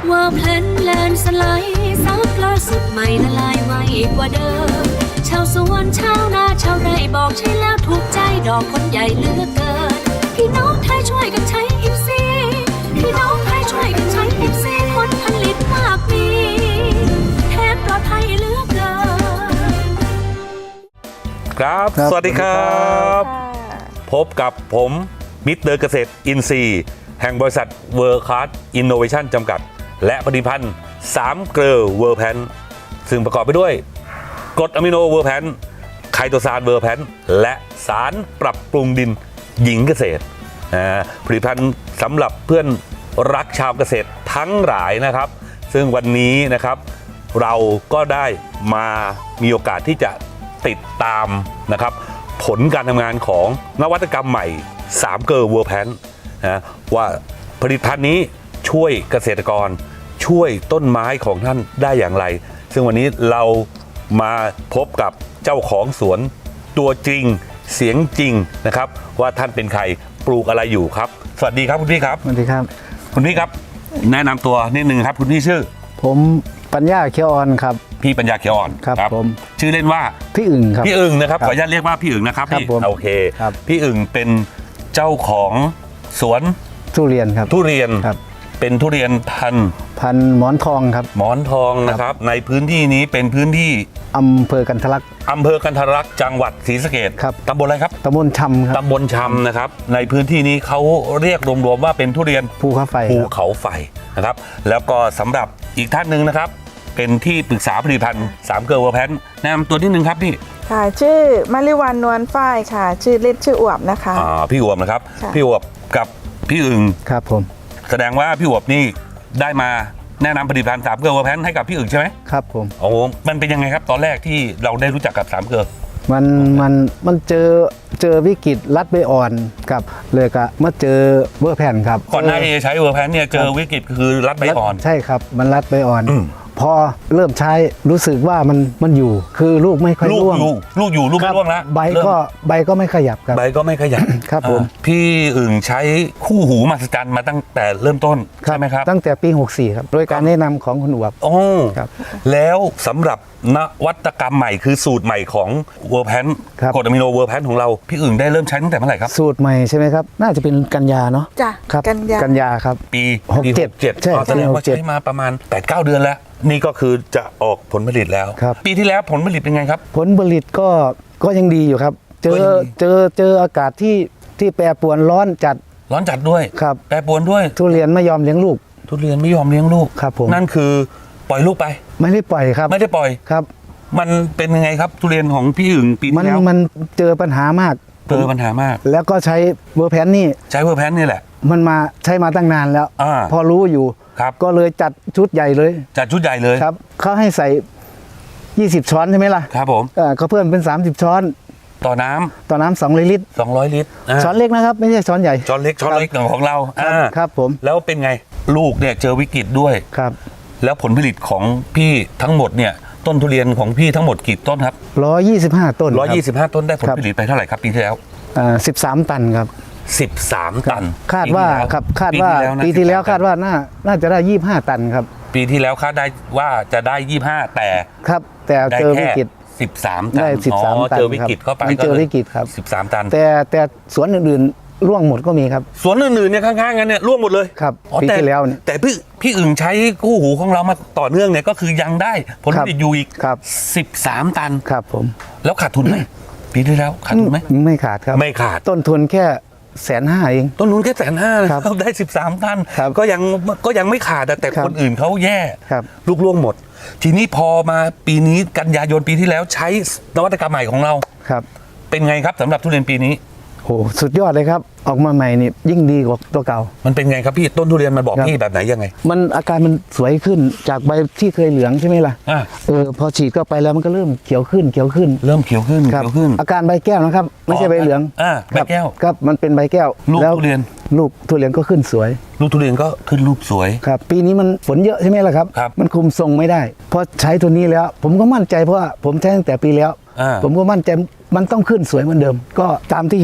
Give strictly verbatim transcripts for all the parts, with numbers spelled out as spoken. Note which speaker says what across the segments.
Speaker 1: ว่าเพลนแลนสไลด์ซับล่าสุดใหม่ละลายไวกว่าเดิมชาวสวนชาวนาชาวไร่บอกใช่แล้วถูกใจดอกคนใหญ่เหลือกเกินพี่น้องไทยช่วยกันใช้อิฟซีพี่น้องไทยช่วยกันใช้อิฟซีผลผลิตมากมีแทนปลอดภัยเหลือกเกิน
Speaker 2: ครับ สวัสดีครับพบกับผมมิสเตอร์เกษตรอินทรีย์แห่งบริษัทเวิร์คคาร์ดอินโนเวชั่นจำกัดและผลิตภัณฑ์สามเกลอเวอร์แพนซึ่งประกอบไปด้วยกรดอะมิโนเวอร์แพนไคโตซานเวอร์แพนและสารปรับปรุงดินหญิงเกษตรผลิตภัณฑ์สำหรับเพื่อนรักชาวเกษตรทั้งหลายนะครับซึ่งวันนี้นะครับเราก็ได้มามีโอกาสที่จะติดตามนะครับผลการทำงานของนวัตกรรมใหม่สามเกลอเวอร์แพนนะว่าผลิตภัณฑ์นี้ช่วยเกษตรกรช่วยต้นไม้ของท่านได้อย่างไรซึ่งวันนี้เรามาพบกับเจ้าของสวนตัวจริงเสียงจริงนะครับว่าท่านเป็นใครปลูกอะไรอยู่ครับสวัสดีครับคุณพี่ครับ
Speaker 3: สวัสดีครับ
Speaker 2: คุณพี่ครับแนะนำตัวนิดนึงครับคุณพี่ชื่อ
Speaker 3: ผมปัญญาเขียวอ่อนครับ
Speaker 2: พี่ปัญญาเขียวอ่อน
Speaker 3: ครับผม
Speaker 2: ชื่อเล่นว่า
Speaker 3: พี่อึ่งครับ
Speaker 2: พี่อึ่งนะครับขออนุญาตเรียกว่าพี่อึ่งนะครับพี่โอเคพี่อึ่งเป็นเจ้าของสวน
Speaker 3: ทุเรียนครับ
Speaker 2: ทุเรียนเป็นทุเรียนพัน
Speaker 3: พันหมอนทองครับ
Speaker 2: หมอนทองนะครับในพื้นที่นี้เป็นพื้นที่
Speaker 3: อำเภอกันทะลัก
Speaker 2: อำเภอกันทะลักจังหวัดศรีสะเกษ
Speaker 3: ครับ
Speaker 2: ตำบลอะไรครับ
Speaker 3: ตำบลชำครับ
Speaker 2: ตำบลชำนะครับในพื้นที่นี้เขาเรียกรวมๆว่าเป็นทุเรียน
Speaker 3: ภูเขาไฟ
Speaker 2: ภูเขาไฟนะครับแล้วก็สำหรับอีกท่านหนึ่งนะครับเป็นที่ปรึกษาผลิตภัณฑ์สามเกลอเวอร์แพนแนะนำตัวนิดนึงครับพี่
Speaker 4: ค่ะชื่อมาริวันนวลฝ้ายค่ะชื่อเล่นชื่ออวบนะคะ
Speaker 2: อ่าพี่อวบนะครับพี่อวบกับพี่อึ่ง
Speaker 3: ครับผม
Speaker 2: แสดงว่าพี่อวบนี่ได้มาแนะนำผลิตภัณฑ์สามเกลอเวอร์แพนให้กับพี่อึ่งใช่ไหม
Speaker 3: ครับผม
Speaker 2: โอ้มันเป็นยังไงครับตอนแรกที่เราได้รู้จักกับสามเกลอ
Speaker 3: มันมันมันเจอเจอวิกฤตรัดใบอ่อนกับเลยก็มาเจอเวอร์แพนครับ
Speaker 2: ก่อนหน้าที่จะใช้เวอร์แพนเนี่ยเจอวิกฤตคือรัดใบอ่อน
Speaker 3: ใช่ครับมันรัดใบอ่อนพอเริ่มใช้รู้สึกว่ามันมันอยู่คือลูกไม่ค่อยร่วง
Speaker 2: ลูกอยู่ลูกไม่ร่วงแล้ว
Speaker 3: ใบก็ใบก็ไม่ขยับครับ
Speaker 2: ใบก็ไม่ขยับ
Speaker 3: ครับผม
Speaker 2: พี่อึ่งใช้คู่หูมหัศจรรย์มาตั้งแต่เริ่มต้นใช่ไหมครับ
Speaker 3: ตั้งแต่ปีหกสี่ครับโดยการแนะนำของคุณอวบ
Speaker 2: โอ้ครับแล้วสำหรับนวัตกรรมใหม่คือสูตรใหม่ของเวอร์แพนกรดอะมิโนเวอร์แพนของเราพี่อึ่งได้เริ่มใช้ตั้งแต่เมื่อไหร่ครับ
Speaker 3: สูตรใหม่ใช่ไหมครับน่าจะเป็นกันยาเนาะ
Speaker 4: จ้ะ
Speaker 3: ครับ
Speaker 4: กันยา
Speaker 3: กันยาครับ
Speaker 2: ปี
Speaker 3: หกเจ็ด
Speaker 2: ใช่แสดงว่าใช้มาประมาณ แปดเก้า เดือนแล้วนี่ก็คือจะออกผลผลิตแล้วปีที่แล้วผลผลิตเป็นไงครับ
Speaker 3: ผลผลิตก็ก็ยังดีอยู่ครับเจอเจอเจออากาศที่ที่แปรปรวนร้อนจัด
Speaker 2: ร้อนจัดด้วย
Speaker 3: ครับ
Speaker 2: แปรปรวนด้วย
Speaker 3: ทุเรียนไม่ยอมเลี้ยงลูก
Speaker 2: ทุเรียนไม่ยอมเลี้ยงลูก
Speaker 3: ครับผม
Speaker 2: นั่นคือปล่อยลูกไป
Speaker 3: ไม่ได้ปล่อยครับ
Speaker 2: ไม่ได้ปล่อย
Speaker 3: ครับ
Speaker 2: มันเป็นยังไงครับทุเรียนของพี่อึ่งปีที่แล้ว
Speaker 3: มันเจอปัญหามาก
Speaker 2: เจอปัญหามาก
Speaker 3: แล้วก็ใช้เวอร์แพนนี่
Speaker 2: ใช้เวอร์แพนนี่แหละ
Speaker 3: มันมาใช้มาตั้งนานแล้วพอรู้อยู่ก็เลยจัดชุดใหญ่เลย
Speaker 2: จัดชุดใหญ่เลย
Speaker 3: ครับเขาให้ใส่ยี่สิบช้อนใช่ไหมล่ะ
Speaker 2: ครับผม
Speaker 3: เขาเพิ่มเป็นสามสิบช้อน
Speaker 2: ต่อน้ำ
Speaker 3: ต่อน้ำสองร้อยลิตร
Speaker 2: สองร้อยลิตร
Speaker 3: ช้อนเล็กนะครับไม่ใช่ช้อนใหญ่
Speaker 2: ช้อนเล็กช้อนเล็กของเรา
Speaker 3: ครับผม
Speaker 2: แล้วเป็นไงลูกเนี่ยเจอวิกฤตด้วย
Speaker 3: ครับ
Speaker 2: แล้วผลผลิตของพี่ทั้งหมดเนี่ยต้นทุเรียนของพี่ทั้งหมดกี่ต้นครับ
Speaker 3: ร้อยยี่สิบห้าต้น
Speaker 2: ร้อยยี่สิบห้าต้นได้ผลผลิตไปเท่าไหร่ครับปีที่แล้ว
Speaker 3: สิบสามตันครับ
Speaker 2: สิบสามตัน
Speaker 3: คาดว่าครับคาดว่าปีที่แล้วคาดว่าน่าน่าจะได้ยี่สิบห้าตันครับ
Speaker 2: ปีที่แล้วคาดได้ว่าจะได้ยี่สิบห้าแต่
Speaker 3: ครับแต่เจอวิกฤต
Speaker 2: สิบสามตัน
Speaker 3: ได้สิบสามตัน
Speaker 2: เจอวิกฤตเข้าไป
Speaker 3: เจอวิกฤตครับ
Speaker 2: สิบสามตัน
Speaker 3: แต่แต่สวนอื่นๆร่วงหมดก็มีครับ
Speaker 2: สวนอื่นๆเนี่ยข้างๆกันเนี่ยร่วงหมดเลย
Speaker 3: ครับปีที่แล้วเนี่ย
Speaker 2: แต่พี่พี่อึ่งใช้คู่หูของเรามาต่อเนื่องเนี่ยก็คือยังได้ผลผลิตอยู่อีกสิบสามตัน
Speaker 3: ครับผม
Speaker 2: แล้วขาดทุนไหมปีที่แล้วขาดทุนไหม
Speaker 3: ไม่ขาดครับ
Speaker 2: ไม่ขาด
Speaker 3: ต้นทุนแค่แสนห้าเอง
Speaker 2: ต้นทุนแค่แสนห้าครับได้สิบสามตันก็ยังก็ยังไม่ขาดแต่คนอื่นเขาแย่ลูกล่วงหมดทีนี้พอมาปีนี้กันยายนปีที่แล้วใช้นวัตกรรมใหม่ของเรา
Speaker 3: ครับ
Speaker 2: เป็นไงครับสำหรับทุเรียนปีนี้
Speaker 3: โหสุดยอดเลยครับออกมาใหม่นี่ยิ่งดีกว่าตัวเก่า
Speaker 2: มันเป็นไงครับพี่ต้นทุเรียนมันบอกพี่แบบไหนยังไง
Speaker 3: มันอาการมันสวยขึ้นจากใบที่เคยเหลืองใช่ไหมล่ะเออพอฉีดเข้าไปแล้วมันก็เริ่มเขียวขึ้นเขียวขึ้น
Speaker 2: เริ่มเขียวขึ้นเขียวขึ้น
Speaker 3: อาการใบแก้วนะครับไม่ใช่ใบเหลือง
Speaker 2: อ่าใบแก้ว
Speaker 3: ครับมันเป็นใบแก้ว
Speaker 2: ลูกทุเรียน
Speaker 3: ลูกทุเรียนก็ขึ้นสวย
Speaker 2: ลูกทุเรียนก็ขึ้นรูปสวย
Speaker 3: ครับปีนี้มันฝนเยอะใช่ไหมล่ะครับมันคุมทรงไม่ได้พอใช้ตัวนี้แล้วผมก็มั่นใจเพราะว่าผมใช้ตั้งแต่ปีแล้วผมก็มั่นใจมันต้องขึ้นสวยเหมือนเดิมก็ตามที่เห็น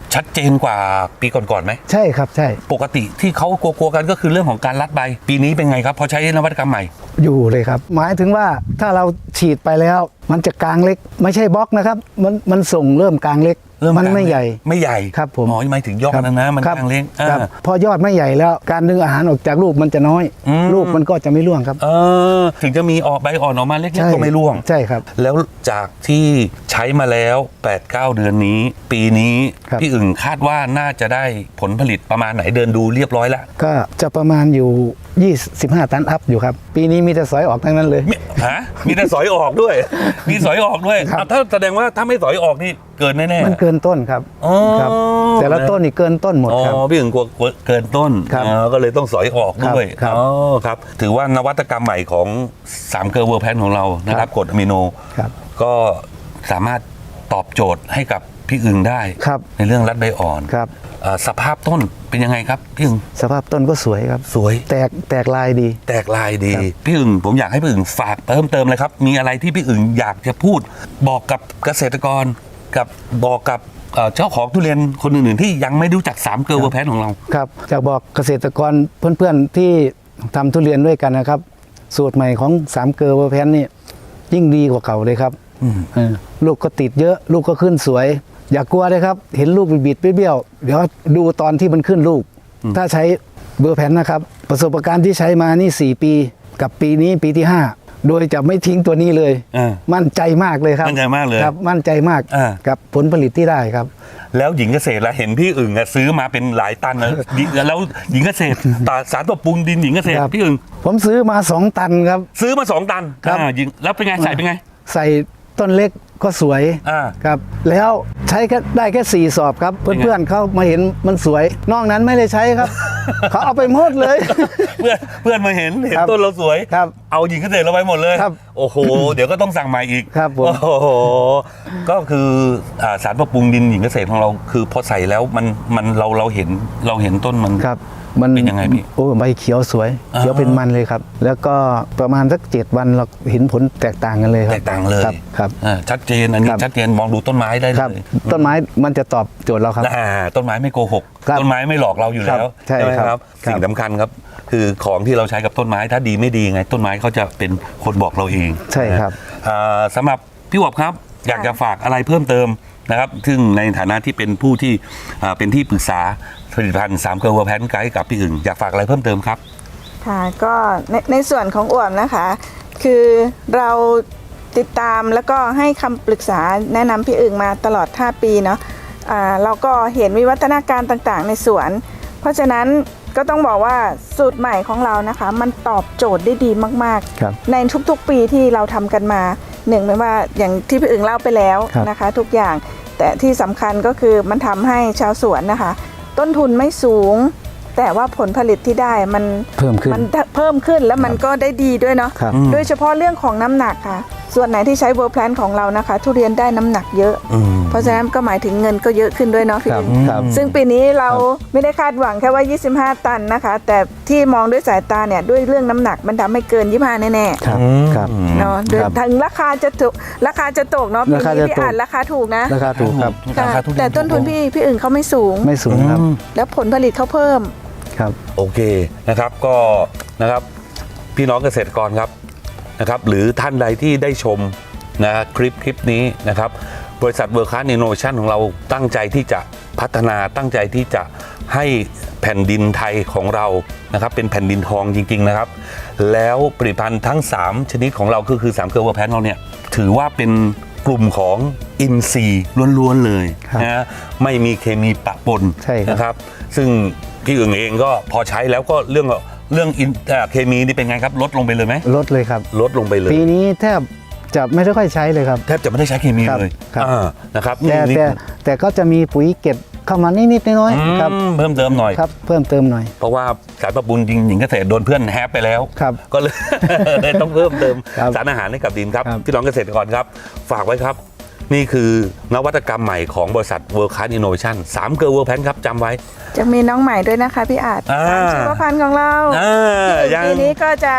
Speaker 2: ชัดเจนกว่าปีก่อนๆไหม
Speaker 3: ใช่ครับใช่
Speaker 2: ปกติที่เขากลัวๆกันก็คือเรื่องของการรัดใบ ปีนี้เป็นไงครับพอใช้นวัตกรรมใหม่
Speaker 3: อยู่เลยครับ หมายถึงว่าถ้าเราฉีดไปแล้ว มันจะกลางเล็ก ไม่ใช่บล็อกนะครับ มันมันส่งเริ่มกลางเล็ก
Speaker 2: เริ่ม
Speaker 3: มัน
Speaker 2: กลาง
Speaker 3: ไม่ใหญ่
Speaker 2: ไม่ใหญ่
Speaker 3: ครับผม
Speaker 2: อ๋อหมายถึงยอดนะนะมัน
Speaker 3: ครับ
Speaker 2: กลางเล็ก
Speaker 3: ครับ
Speaker 2: อ่า
Speaker 3: พอยอดไม่ใหญ่แล้ว การดึงอาหารออกจากลูกมันจะน้อย
Speaker 2: อืม
Speaker 3: ลูกมันก็จะไม่ร่วงครับ
Speaker 2: เออถึงจะมีออกใบอ่อนออกมาเล็ก
Speaker 3: ใช่
Speaker 2: ๆก็ไม่ร่วง
Speaker 3: ใช่ครับ
Speaker 2: แล้วจากที่ใช้มาแล้ว แปดเก้า เดือนนี้ ปีนี้
Speaker 3: ครับ
Speaker 2: พี่อึ่งคาดว่าน่าจะได้ผลผลิตประมาณไหนเดินดูเรียบร้อยแล้ว
Speaker 3: ก็จะประมาณอยู่ยี่สิบห้าตันอัพอยู่ครับ ปีนี้มีแต่สอยออกทั้งนั้นเลย
Speaker 2: มีฮะมีแต่สอยออกด้วย มีสอยออกด้วย
Speaker 3: ครับ
Speaker 2: อ่ะถ้าแสดงว่าถ้าไม่สอยออกนี่เกินแน่ๆ
Speaker 3: มันเกินต้นครับ
Speaker 2: อ๋อ
Speaker 3: ครับ แต่ละต้นนี่เกินต้นหมด
Speaker 2: อ๋อ
Speaker 3: ครับ
Speaker 2: พี่อึ่งกลัวเกินต้น
Speaker 3: ครับ
Speaker 2: อ๋อก็เลยต้องสอยออกด้วย
Speaker 3: ครับ
Speaker 2: อ๋อครับถือว่านวัตกรรมใหม่ของสามเกลอเวอร์แพนของเรานะครับกรดอะมิโน
Speaker 3: ครับ
Speaker 2: ก็สามารถตอบโจทย์ให้กับพี่อึ่งได้
Speaker 3: ครับ
Speaker 2: ในเรื่องรัดใบอ่อน
Speaker 3: ครับ
Speaker 2: เอ่อสภาพต้นเป็นยังไงครับพี่อึ่ง
Speaker 3: สภาพต้นก็สวยครับ
Speaker 2: สวย
Speaker 3: แตกแตกลายดี
Speaker 2: แตกลายดี
Speaker 3: ครับ
Speaker 2: พี่อึ่งผมอยากให้พี่อึ่งฝากเพิ่มเติมเลยครับ มีอะไรที่พี่อึ่งอยากจะพูด บอกกับเกษตรกรกับบอกกับเอ่อเจ้าของทุเรียนคนอื่นๆที่ยังไม่รู้จักสามเกลอเวอร์แพนของเรา
Speaker 3: ครับอยากบอกเกษตรกรเพื่อนๆที่ทำทุเรียนด้วยกันนะครับ สูตรใหม่ของสามเกลอเวอร์แพนนี่ยิ่งดีกว่าเก่าเลยครับ
Speaker 2: อืม
Speaker 3: เออลูกก็ติดเยอะ ลูกก็ขึ้นสวย อย่ากลัวเลยครับ เห็นลูกบิดๆเบี้ยวๆเดี๋ยวดูตอนที่มันขึ้นลูก ถ้าใช้เบอร์แพนนะครับ ประสบการณ์ที่ใช้มานี่สี่ปีกับปีนี้ปีที่ห้าโดยจะไม่ทิ้งตัวนี้เลย
Speaker 2: อ่า
Speaker 3: มั่นใจมากเลยครับ
Speaker 2: มั่นใจมากเลย
Speaker 3: ครับมั่นใจมาก
Speaker 2: อ่า
Speaker 3: กับผลผลิตที่ได้ครับ
Speaker 2: แล้วหญิงเกษตรละเห็นพี่อึ่งอะซื้อมาเป็นหลายตันนะ ดิแล้วหญิงเกษตรตาสารปรับปรุงดินหญิงเกษตร
Speaker 3: ครับ
Speaker 2: พี่อึ่ง
Speaker 3: ผมซื้อมาสองตันครับ
Speaker 2: ซื้อมาสองตัน
Speaker 3: ครับ
Speaker 2: อ่าหญิงแล้วเป็นไงใส่เป็นไง
Speaker 3: ใส่ต้นเล็กก็สวย
Speaker 2: อ่า
Speaker 3: ครับ แล้วใช้แค่ได้แค่สี่สอบครับ
Speaker 2: เป็นไง
Speaker 3: เพื่อนๆเขามาเห็นมันสวย นอกนั้นไม่ได้ใช้ครับ เขาเอาไปหมดเลย
Speaker 2: เพื่อนเพื่อนมาเห็นเห็น
Speaker 3: ครับ
Speaker 2: ต้นเราสวย
Speaker 3: ครับ
Speaker 2: เอาหญิงเกษตรเราไปหมดเลย
Speaker 3: ครับ
Speaker 2: โอ้โห เดี๋ยวก็ต้องสั่งใหม่อีก
Speaker 3: ครับผม
Speaker 2: โอ้โหก็คืออ่าสารปรับปรุงดินหญิงเกษตรของเราคือพอใส่แล้วมันมันเราเราเห็นเราเห็นต้นมัน
Speaker 3: ครับมัน
Speaker 2: เป็นยังไงพี่
Speaker 3: โอ้ใบเขียวสวย
Speaker 2: อ่า
Speaker 3: เขียวเป็นมันเลยครับ แล้วก็ประมาณสักเจ็ดวันเราเห็นผลแตกต่างกันเลยครับ
Speaker 2: แตกต่างเลย
Speaker 3: ครับครับ
Speaker 2: อ่าชัดเจนอันนี้
Speaker 3: ครับ
Speaker 2: ชัดเจนมองดูต้นไม้ได้
Speaker 3: ครับ
Speaker 2: เลย
Speaker 3: ต้นไม้มันจะตอบโจทย์เราครับ
Speaker 2: อ่าต้นไม้ไม่โกหก
Speaker 3: ครับ
Speaker 2: ต้นไม้ไม่หลอกเราอยู่แล้ว
Speaker 3: ครับใช่
Speaker 2: ไหม
Speaker 3: ครับ
Speaker 2: ครับ
Speaker 3: ครับ
Speaker 2: สิ่งสำคัญครับ คือของที่เราใช้กับต้นไม้ถ้าดีไม่ดีไง ต้นไม้เขาจะเป็นคนบอกเราเอง
Speaker 3: ใช่ครับ
Speaker 2: อ่าสำหรับพี่หวบครับ อยากจะฝากอะไรเพิ่มเติมนะครับ ซึ่งในฐานะที่เป็นผู้ที่อ่าเป็นที่ปรึกษาผลิตภัณฑ์สามเกลอเวอร์แพนไกด์กับพี่อึ่งอยากฝากอะไรเพิ่มเติมครับ
Speaker 4: ค่ะก็ในในส่วนของอ่วมนะคะ คือเราติดตามแล้วก็ให้คำปรึกษาแนะนำพี่อึ่งมาตลอดห้าปีเนาะอ่าเราก็เห็นวิวัฒนาการต่างๆ ในสวน เพราะฉะนั้นก็ต้องบอกว่าสูตรใหม่ของเรานะคะ มันตอบโจทย์ได้ดีมาก
Speaker 3: ครับ
Speaker 4: ๆ ในทุกๆปีที่เราทำกันมาหนึ่งไม่ว่าอย่างที่พี่อึ่งเล่าไปแล้ว
Speaker 3: ครับ
Speaker 4: นะคะ ทุกอย่างแต่ที่สำคัญก็คือมันทำให้ชาวสวนนะคะ ต้นทุนไม่สูง แต่ว่าผลผลิตที่ได้มัน
Speaker 3: เพิ่มขึ้น
Speaker 4: มันเพิ่มขึ้นแล้วมันก็ได้ดีด้วยเนาะ
Speaker 3: ครับ
Speaker 2: อืม
Speaker 4: โดยเฉพาะเรื่องของน้ำหนักค่ะ ส่วนไหนที่ใช้เวอร์แพลนของเรานะคะ ทุเรียนได้น้ำหนักเยอะ
Speaker 2: อืม
Speaker 4: เพราะฉะนั้นก็หมายถึงเงินก็เยอะขึ้นด้วยเนาะพี่
Speaker 3: ครับ
Speaker 4: อึ่ง
Speaker 3: ครับ
Speaker 4: ซึ่งปีนี้เราไม่ได้คาดหวังแค่ว่า ยี่สิบห้า ตันนะคะ แต่ที่มองด้วยสายตาเนี่ยด้วยเรื่องน้ำหนักมันทำให้เกิน ยี่สิบห้า แน่
Speaker 3: ครับครับ
Speaker 4: ๆเนาะโดย
Speaker 3: ครับ
Speaker 4: ถึงราคาจะถูกราคาจะตกเนาะปี
Speaker 3: ราคา
Speaker 4: นี้
Speaker 3: จะ
Speaker 4: พี่
Speaker 3: ตก
Speaker 4: อ่านราคาถูกนะ
Speaker 3: ราคาถูกครับ
Speaker 2: รา
Speaker 4: ค่ะ
Speaker 2: คาทุเรียน
Speaker 4: แต่ต้นทุนพี่พี่อึ่งเขาไม่สูง
Speaker 3: ไม่สูงครับ
Speaker 2: อืม
Speaker 4: แล้วผลผลิตเขาเพิ่ม
Speaker 3: ครับ
Speaker 2: โอเคนะครับก็นะครับพี่น้องเกษตรกรครับนะครับหรือท่านใดที่ได้ชมนะคลิปคลิปนี้นะครับบริษัทเวิร์คคลาสอินโนเวชั่นของเราตั้งใจที่จะพัฒนาตั้งใจที่จะให้แผ่นดินไทยของเรานะครับเป็นแผ่นดินทองจริงๆนะครับแล้วผลิตภัณฑ์ทั้งสามชนิดของเราก็คือสามเกลอเวอร์แพนเราเนี่ยถือว่าเป็นกลุ่มของอินทรีย์ล้วนๆเลย
Speaker 3: ครับ
Speaker 2: นะไม่มีเคมีปะปน
Speaker 3: ใช่ครับ
Speaker 2: นะครับซึ่งพี่อึ่งเองก็พอใช้แล้วก็เรื่องเรื่องอินเอ่อเคมีนี่เป็นไงครับลดลงไปเลยไหม
Speaker 3: ลดเลยครับ
Speaker 2: ลดลงไปเลย
Speaker 3: ปีนี้แทบจะไม่ได้ค่อยใช้เลยครับ
Speaker 2: แทบจะไม่ได้ใช้เคมี
Speaker 3: ครับ
Speaker 2: เลย
Speaker 3: ครับ
Speaker 2: อ่านะครับ
Speaker 3: แต่
Speaker 2: นี่
Speaker 3: แต่แต่ก็จะมีปุ๋ยเก็บเข้ามานิดๆน้อย
Speaker 2: อืม
Speaker 3: ๆครับ
Speaker 2: เพิ่มเติมหน่อย
Speaker 3: ครับ เพิ่มเติมหน่อย
Speaker 2: เพราะว่าสารปรับปรุงจริงหญิงเกษตรโดนเพื่อนแฮปไปแล้ว
Speaker 3: ครับ
Speaker 2: ก็เลย เลยต้องเพิ่มเติม
Speaker 3: ครับ
Speaker 2: สารอาหารให้กับดินครับ
Speaker 3: ครับ
Speaker 2: พี่น้องเกษตรกรครับ ฝากไว้ครับ นี่คือนวัตกรรมใหม่ของบริษัท World Class Innovation สามเกลอเวอร์แพนครับจำไว้
Speaker 4: จะมีน้องใหม่ด้วยนะคะพี่อาจ
Speaker 2: อ่า
Speaker 4: สามชีวพันธุ์ของเรา
Speaker 2: อ่ายัง
Speaker 4: ปีนี้ก็จะใช้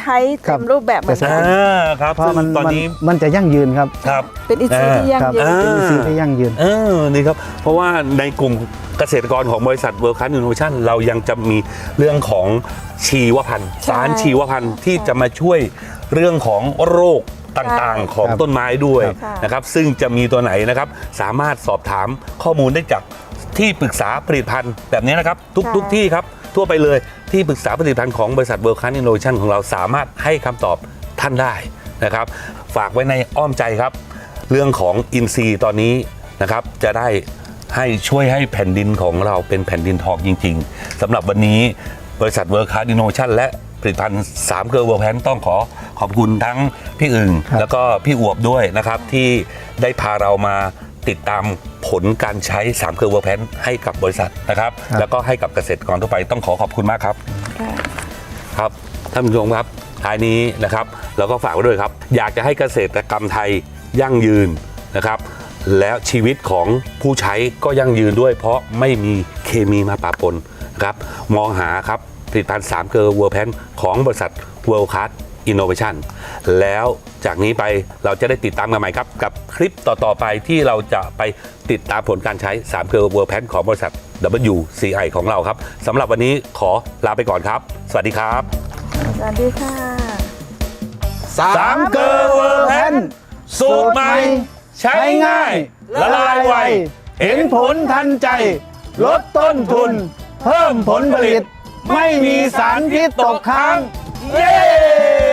Speaker 4: ใช้
Speaker 3: ครั
Speaker 4: เต็
Speaker 3: บ
Speaker 4: มรูปแบบเหมือน
Speaker 3: ใช่
Speaker 4: กั
Speaker 2: อ่าน ครับ
Speaker 3: เพราะ
Speaker 2: ซึ่ง
Speaker 3: มัน
Speaker 2: ตอน
Speaker 3: มัน
Speaker 2: นี้
Speaker 3: มันจะยั่งยืนครับ
Speaker 2: ครับ
Speaker 4: เป็นอินทรีย์ที่ยั่ง
Speaker 3: ครับ
Speaker 4: ยืน
Speaker 3: เป็นอินทรีย์ที่ยั่งยืน
Speaker 2: เออนี่ครับเพราะว่าในกลุ่มเกษตรกรของบริษัท World Class Innovation เรายังจะมีเรื่องของชีวพันธุ์
Speaker 4: ใช่
Speaker 2: สารชีวพันธุ์ที่จะมาช่วยเรื่องของโรคต่างๆ ของ
Speaker 3: ครับ
Speaker 2: ต้นไม้ด้วย
Speaker 4: ครับ
Speaker 2: นะครับซึ่งจะมีตัวไหนนะครับสามารถสอบถามข้อมูลได้จากที่ปรึกษาผลิตภัณฑ์แบบนี้นะครับทุก
Speaker 4: ใช่
Speaker 2: ทุกที่ครับทั่วไปเลยที่ปรึกษาผลิตภัณฑ์ของบริษัท World Class Innovation ของเราสามารถให้คำตอบท่านได้นะครับฝากไว้ในอ้อมใจครับ เรื่องของอินทรีย์ตอนนี้นะครับจะได้ให้ช่วยให้แผ่นดินของเราเป็นแผ่นดินทองจริงๆสำหรับวันนี้บริษัท World Class Innovation และผลิตภัณฑ์สามเกลือเวอร์แพนต้องขอขอบคุณทั้งพี่อึ่ง
Speaker 3: ครับ
Speaker 2: แล้วก็พี่อวบด้วยนะครับที่ได้พาเรามาติดตามผลการใช้สามเกลือเวอร์แพนให้กับบริษัทนะครับแล้วก็ให้กับเกษตรกรทั่วไปต้องขอขอบคุณมากครับ
Speaker 4: ค่ะ
Speaker 2: ครับท่านผู้ชมครับท้ายนี้นะครับเราก็ฝากไว้ด้วยครับ อยากจะให้เกษตรกรรมไทยยั่งยืนนะครับ แล้วชีวิตของผู้ใช้ก็ยั่งยืนด้วย เพราะไม่มีเคมีมาปะปนนะครับมองหาครับผลิตภัณฑ์สามเกลอเวอร์แพนของบริษัท World Class Innovation แล้วจากนี้ไปเราจะได้ติดตามกันใหม่ครับ กับคลิปต่อ ๆ ไปที่เราจะไปติดตามผลการใช้สามเกลอเวอร์แพนของบริษัท ดับเบิลยู ซี ไอ ของเราครับสำหรับวันนี้ขอลาไปก่อนครับ สวัสดีครับ
Speaker 4: สวัสดีค่ะ
Speaker 2: สามเกลอเวอร์แพนสูตรใหม่ใช้ง่ายละลายไวเห็นผลทันใจ ลดต้นทุน เพิ่มผลผลิต ไม่มีสารพิษตกค้าง เย้